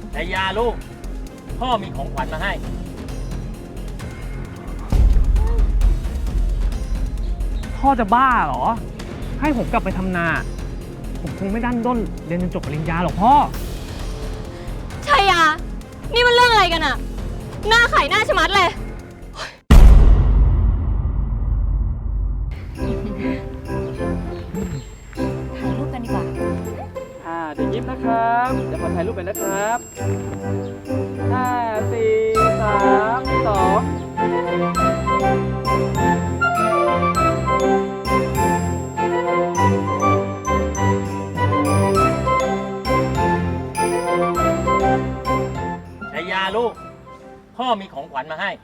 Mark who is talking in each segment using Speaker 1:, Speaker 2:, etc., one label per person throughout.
Speaker 1: แต่ยาลูกพ่อมีของขวัญมาให้
Speaker 2: พ่อจะบ้าเหรอให้ผมกลับไปทำนาผมคงไม่ดันด้นเรียนจนจบปริญญาหรอกพ่อ
Speaker 3: ชัยยานี่มันเรื่องอะไรกันอะหน้าไข่หน้าชะมัดเลยถ่ายรูปกันดีกว่า
Speaker 2: เดี๋ยวยิ้มนะครับเดี๋ยวขอถ่ายรูปไปนะครับ5 4 3 2
Speaker 1: แต่ยาลูกพ่อมีของขวัญมาให้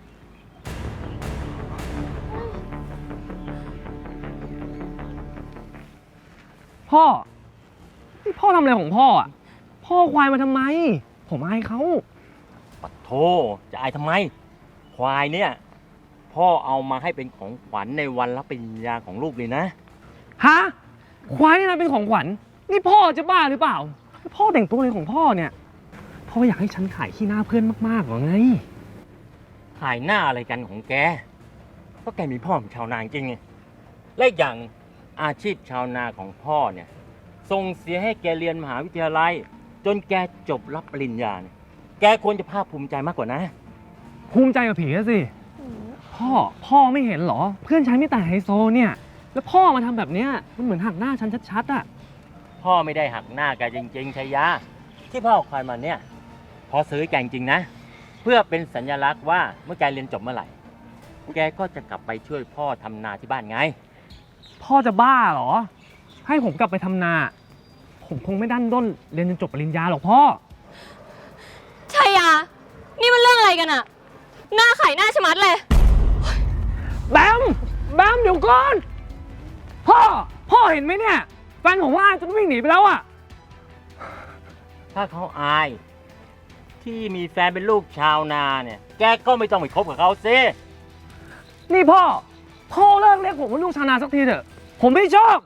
Speaker 2: พ่อนี่พ่อทำอะไรของพ่ออ่ะพ่อควายมาทำไมผมอายเขา
Speaker 1: ปัดโธจะอายทำไมควายเนี่ยพ่อเอามาให้เป็นของขวัญในวันรับปริญญาของลูกเลยนะ
Speaker 2: ฮะควายนี่นะเป็นของขวัญนี่พ่อจะบ้าหรือเปล่าพ่อแต่งตัวอะไรของพ่อเนี่ยพ่ออยากให้ฉันขายขี้หน้าเพื่อนมากๆหรอไง
Speaker 1: ขายหน้าอะไรกันของแกก็แกมีพ่อเป็นชาวนาจริงไงและอย่างอาชีพชาวนาของพ่อเนี่ยส่งเสียให้แกเรียนมหาวิทยาลัยจนแกจบรับปริญญาเนี่ยแกควรจะภาคภูมิใจมากกว่านะ
Speaker 2: ภูมิใจกับผีสิพ่อไม่เห็นเหรอเพื่อนฉันไม่แต่ไฮโซเนี่ยแล้วพ่อมาทำแบบเนี้ยมันเหมือนหักหน้าฉันชัดๆอ่ะ
Speaker 1: พ่อไม่ได้หักหน้าแกจริงๆชัยยาที่พ่อเอาควายมาเนี่ยพอซื้อแกจริงๆนะเพื่อเป็นสัญลักษณ์ว่าเมื่อแกเรียนจบเมื่อไหร่แกก็จะกลับไปช่วยพ่อทำนาที่บ้านไง
Speaker 2: พ่อจะบ้าเหรอให้ผมกลับไปทำนาผมคงไม่ดันด้นเรียนจนจบปริญญาหรอกพ่อ
Speaker 3: ชัยยานี่มันเรื่องอะไรกันอะหน้าไข่หน้าชะมัดเลย
Speaker 2: แบมเดี๋ยวก่อนพ่อเห็นไหมเนี่ยแฟนผมว่าจนวิ่งหนีไปแล้วอะ
Speaker 1: ถ้าเขาอายที่มีแฟนเป็นลูกชาวนาเนี่ยแกก็ไม่ต้องไปคบกับเขาซิ
Speaker 2: นี่พ่อเลิกเรียกผมว่าลูกชาวนาสักทีเถอะผมไม่ชอบ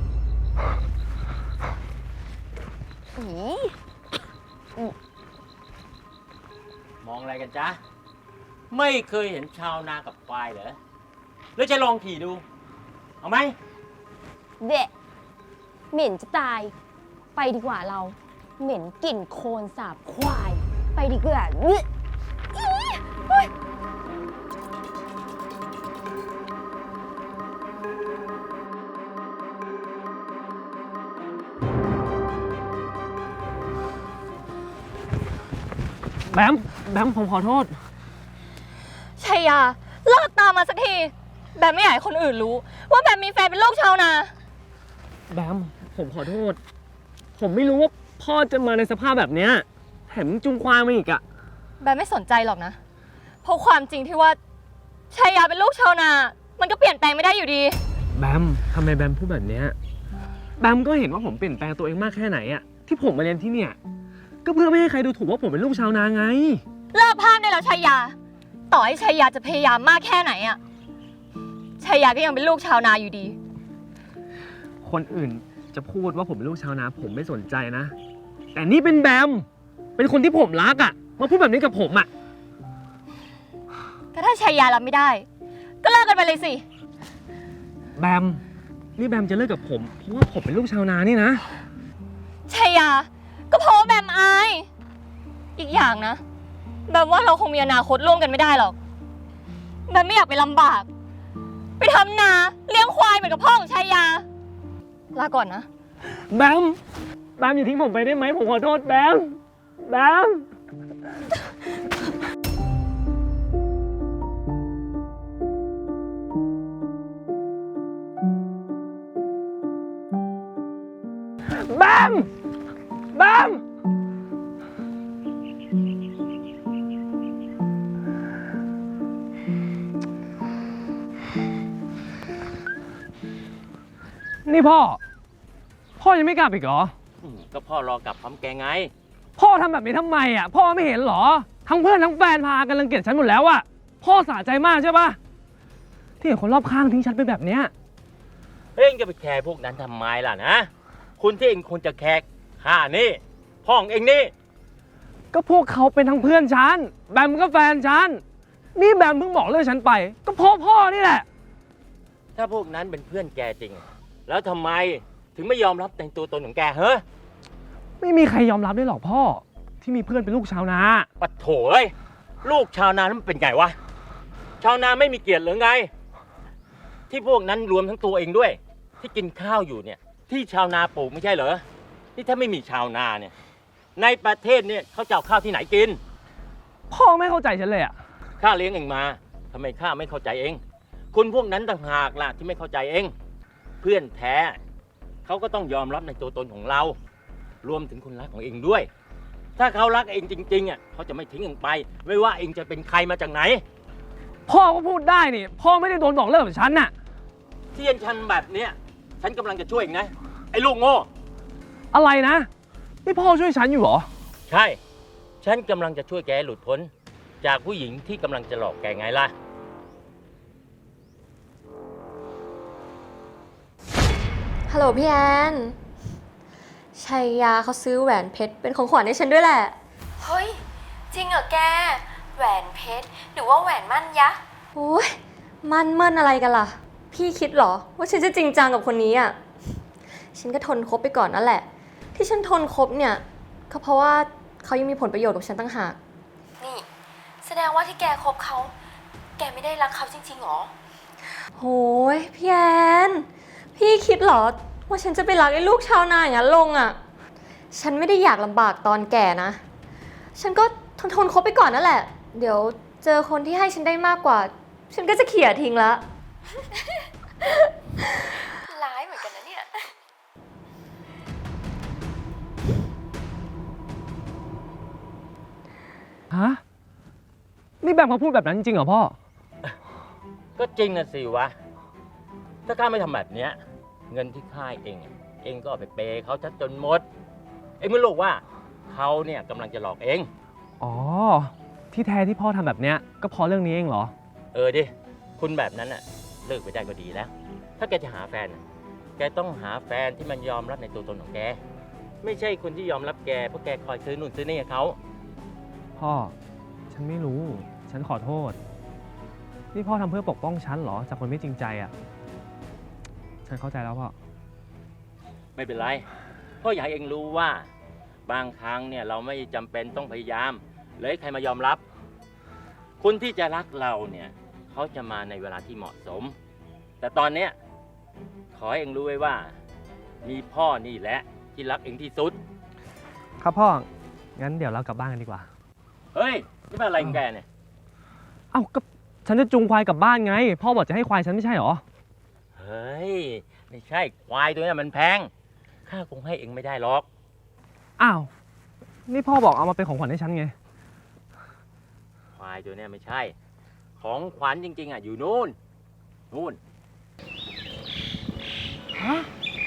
Speaker 1: มองอะไรกันจ๊ะไม่เคยเห็นชาวนากับควายเหรอแล้วจะลองขี่ดูเอาไหม
Speaker 3: เดะเหม็นจะตายไปดีกว่าเราเหม็นกลิ่นโคลนสาบควายไปดีกว่า
Speaker 2: แบมผมขอโทษ
Speaker 3: ชัยยาเลิกตามมาสักทีแบมไม่อยากให้คนอื่นรู้ว่าแบมมีแฟนเป็นลูกชาวนา
Speaker 2: แบมผมขอโทษผมไม่รู้ว่าพ่อจะมาในสภาพแบบเนี้ยแถมจุงควายมาอีกอะ
Speaker 3: แบมไม่สนใจหรอกนะเพราะความจริงที่ว่าชัยยาเป็นลูกชาวนามันก็เปลี่ยนแปลงไม่ได้อยู่ดี
Speaker 2: แบมทำไมแบมพูดแบบเนี้ยแบมก็เห็นว่าผมเปลี่ยนแปลงตัวเองมากแค่ไหนอะที่ผมมาเรียนที่เนี่ยก็เพื่อไม่ให้ใครดูถูกว่าผมเป็นลูกชาวนาไง
Speaker 3: เลิกพากได้แล้วชัยยาต่อให้ชัยยาจะพยายามมากแค่ไหนอะชัยยาก็ยังเป็นลูกชาวนาอยู่ดี
Speaker 2: คนอื่นจะพูดว่าผมเป็นลูกชาวนาผมไม่สนใจนะแต่นี่เป็นแบมเป็นคนที่ผมรักอะมาพูดแบบนี้กับผมอะ
Speaker 3: ก็ถ้าชัยยารับไม่ได้ก็เลิกกันไปเลยสิ
Speaker 2: แบมนี่แบมจะเลิกกับผมเพราะว่าผมเป็นลูกชาวนานี่นะ
Speaker 3: ชัยยาก็เพราะแบมอายอีกอย่างนะแบมว่าเราคงมีอนาคตร่วมกันไม่ได้หรอกแบมไม่อยากไปลำบากไปทำนาเลี้ยงควายเหมือนกับพ่อของชัยยาลาก่อนนะ
Speaker 2: แบมอย่าทิ้งผมไปได้ไหมผมขอโทษแบมนี่พ่อยังไม่กลับอีกเหรอ
Speaker 1: ก็พ่อรอกลับพร้อมแกไง
Speaker 2: พ่อทำแบบนี้ทำไมอ่ะพ่อไม่เห็นเหรอทั้งเพื่อนทั้งแฟนพากันรังเกียจฉันหมดแล้วอ่ะพ่อสะใจมากใช่ปะที่เห็นคนรอบข้างทิ้งฉันไปแบบเนี้ย
Speaker 1: เอ็งจะไปแคร์พวกนั้นทำไมล่ะนะคุณที่เอ็งควรจะแคร์ข้านี่พ่อของเอ็งนี่
Speaker 2: ก็พวกเขาเป็นทั้งเพื่อนฉัน แบมก็แฟนฉัน นี่แบมเพิ่งบอกเลิกฉันไป ก็เพราะพ่อนี่แหละ
Speaker 1: ถ้าพวกนั้นเป็นเพื่อนแกจริง แล้วทำไมถึงไม่ยอมรับในตัวตนของแกเฮ้ย
Speaker 2: ไม่มีใครยอมรับได้หรอกพ่อ ที่มีเพื่อนเป็นลูกชาวนา
Speaker 1: ปะโถเอ้ยลูกชาวนานั้นมันเป็นไงวะ ชาวนาไม่มีเกียรติหรือไง ที่พวกนั้นรวมทั้งตัวเองด้วย ที่กินข้าวอยู่เนี่ย ที่ชาวนาปลูกไม่ใช่เหรอที่ถ้าไม่มีชาวนาเนี่ย ในประเทศเนี่ยเขาจะเอาข้าวที่ไหนกิน
Speaker 2: พ่อไม่เข้าใจฉันเลยอะ
Speaker 1: ข้าเลี้ยงเองมาทำไมข้าไม่เข้าใจเองคุณพวกนั้นต่างหากล่ะที่ไม่เข้าใจเอง เพื่อนแท้เขาก็ต้องยอมรับในตัวตนของเรา รวมถึงคนรักของเองด้วย ถ้าเขารักเองจริงๆอ่ะเขาจะไม่ทิ้งเองไป ไม่ว่าเองจะเป็นใครมาจากไหน
Speaker 2: พ่อก็พูดได้นี่ พ่อไม่ได้โดนบอกเลิกแบบฉันน่ะ
Speaker 1: ที่ยันชันแบบเนี้ยฉันกำลังจะช่วยเองนะไอ้ลูกโง่
Speaker 2: อะไรนะ นี่พ่อช่วยฉันอยู่เหรอ
Speaker 1: ใช่ ฉันกำลังจะช่วยแกหลุดพ้น จากผู้หญิงที่กำลังจะหลอกแกไงล่ะ
Speaker 3: ฮัลโหลพี่แอนชัยยาเขาซื้อแหวนเพชรเป็นของขวัญให้ฉันด้วยแหละ
Speaker 4: เฮ้ย จริงเหรอแก แหวนเพชรหรือว่าแหวนมั่นยะ
Speaker 3: โอ้ยมันเมินอะไรกันล่ะ พี่คิดเหรอว่าฉันจะจริงจังกับคนนี้อ่ะ ฉันก็ทนคบไปก่อนนั่นแหละ ที่ฉันทนคบเนี่ยก็เพราะว่าเขายังมีผลประโยชน์กับฉันตั้งหาก
Speaker 4: นี่ แสดงว่าที่แกคบเขา แกไม่ได้รักเขาจริงๆหรอ
Speaker 3: โหยพี่แอนพี่คิดเหรอว่าฉันจะไปรักไอ้ลูกชาวนาอย่างนั้นลงอ่ะ ฉันไม่ได้อยากลำบากตอนแก่นะ ฉันก็ทนคบไปก่อนนั่นแหละ เดี๋ยวเจอคนที่ให้ฉันได้มากกว่า ฉันก็จะเขี่ยทิ้งละ
Speaker 4: ร้ายเหมือนกันนะเนี่ย
Speaker 2: ฮะ นี่แบมเขาพูดแบบนั้นจริงเหรอพ่อ
Speaker 1: ก็จริงนะสิวะ ถ้าข้าไม่ทำแบบเนี้ยเงินที่ข้าเองอะเองก็เอาไปเปย์เขาจนหมด เองไม่รู้ว่าเขาเนี่ยกำลังจะหลอกเอง
Speaker 2: อ๋อ ที่แท้ที่พ่อทำแบบเนี้ยก็เพราะเรื่องนี้เองเหรอ
Speaker 1: เออดิ คุณแบบนั้นน่ะเลิกไปได้ก็ดีแล้ว ถ้าแกจะหาแฟนน่ะแกต้องหาแฟนที่มันยอมรับในตัวตนของแก ไม่ใช่คนที่ยอมรับแกเพราะแกคอยซื้อนู่นซื้อนี่ให้เขา
Speaker 2: พ่อ ฉันไม่รู้ ฉันขอโทษ นี่พ่อทำเพื่อปกป้องฉันเหรอ จากคนไม่จริงใจอ่ะ ฉันเข้าใจแล้วพ่อ
Speaker 1: ไม่เป็นไร เพราะอยากให้เองรู้ว่าบางครั้งเนี่ยเราไม่จำเป็นต้องพยายามเลยให้ใครมายอมรับ คนที่จะรักเราเนี่ยเขาจะมาในเวลาที่เหมาะสม แต่ตอนเนี้ยขอให้เองรู้ไว้ว่า มีพ่อนี่แหละที่รักเองที่สุด
Speaker 2: ครับพ่อ งั้นเดี๋ยวเรากลับบ้านกันดีกว่า
Speaker 1: เฮ้ยนี่เป็นอะไรของแกเนี่ย
Speaker 2: เอ้าก็ฉันจะจูงควายกลับบ้านไง พ่อบอกจะให้ควายฉันไม่ใช่เหรอ
Speaker 1: เฮ้ยไม่ใช่ควายตัวนี้มันแพงข้าคงให้เองไม่ได้หรอก
Speaker 2: อ้าว นี่พ่อบอกเอามาเป็นของขวัญให้ฉันไง
Speaker 1: ควายตัวเนี้ยไม่ใช่ ของขวัญจริงๆอ่ะอยู่นู่นนู่น
Speaker 2: ฮะ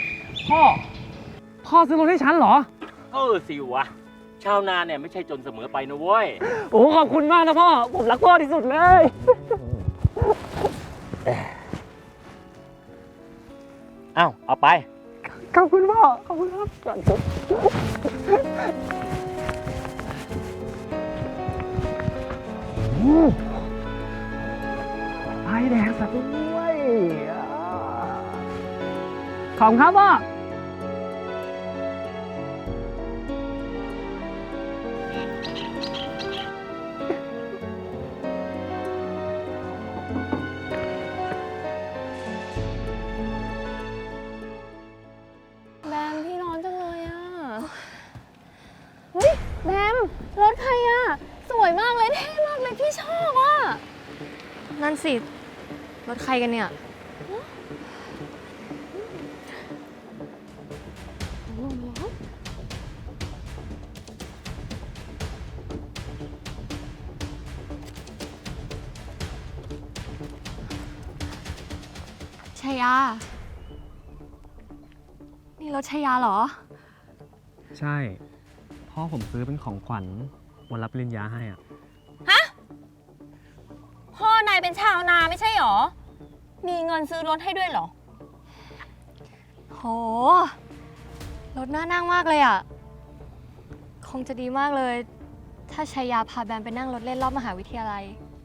Speaker 2: พ่อซื้อรถให้ฉันเหรอ
Speaker 1: สิวะ ชาวนาเนี่ยไม่ใช่จนเสมอไปนะเว้ย
Speaker 2: โอ้ขอบคุณมากนะพ่อ ผมรักพ่อที่สุดเลย
Speaker 1: เอ้าเอาไป
Speaker 2: ขอบคุณพ่อ ขอบคุณครับไอแดงสัตว์ด้วยขอบคุณครับพ่อ
Speaker 3: แบมพี่ร้อนจังเลยอ่ะ เฮ้ยแบมรถใครอ่ะ สวยมากเลยเท่มากเลยพี่ชอบอ่ะ นั่นสิ รถใครกันเนี่ย ชายา นี่รถชายาเหรอ
Speaker 2: ใช่ พ่อผมซื้อเป็นของขวัญวันรับปริญญาให้อ่ะ
Speaker 3: พ่อนายเป็นชาวนาไม่ใช่หรอ มีเงินซื้อรถให้ด้วยเหรอ โห รถน่านั่งมากเลยอ่ะ คงจะดีมากเลยถ้าชายาพาแบมไปนั่งรถเล่นรอบมหาวิทยาลัย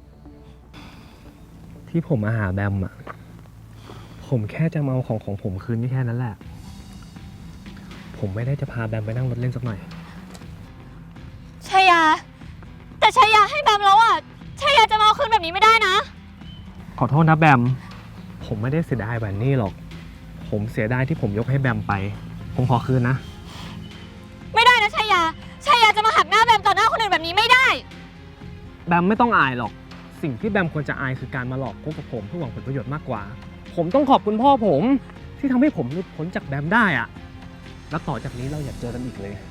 Speaker 2: ที่ผมมาหาแบมอะผมแค่จะมาเอาของผมคืนนี่แค่นั้นแหละ ผมไม่ได้จะพาแบมไปนั่งรถเล่นสักหน่อย
Speaker 3: ชายา แต่ชายาให้แบมแล้วอ่ะชายาจะมาเอาคืนแบบนี้ไม่ได้นะ
Speaker 2: ขอโทษนะแบม ผมไม่ได้เสียดายแหวนนี่หรอก ผมเสียดายที่ผมยกให้แบมไป ผมขอคืนนะ
Speaker 3: ไม่ได้นะชายาชายาจะมาหักหน้าแบมต่อหน้าคนอื่นแบบนี้ไม่ได้
Speaker 2: แบมไม่ต้องอายหรอก สิ่งที่แบมควรจะอายคือการมาหลอกคบกับผมเพื่อหวังผลประโยชน์มากกว่า ผมต้องขอบคุณพ่อผมที่ทำให้ผมหลุดพ้นจากแบมได้อะแล้วต่อจากนี้เราอย่าเจอกันอีกเลย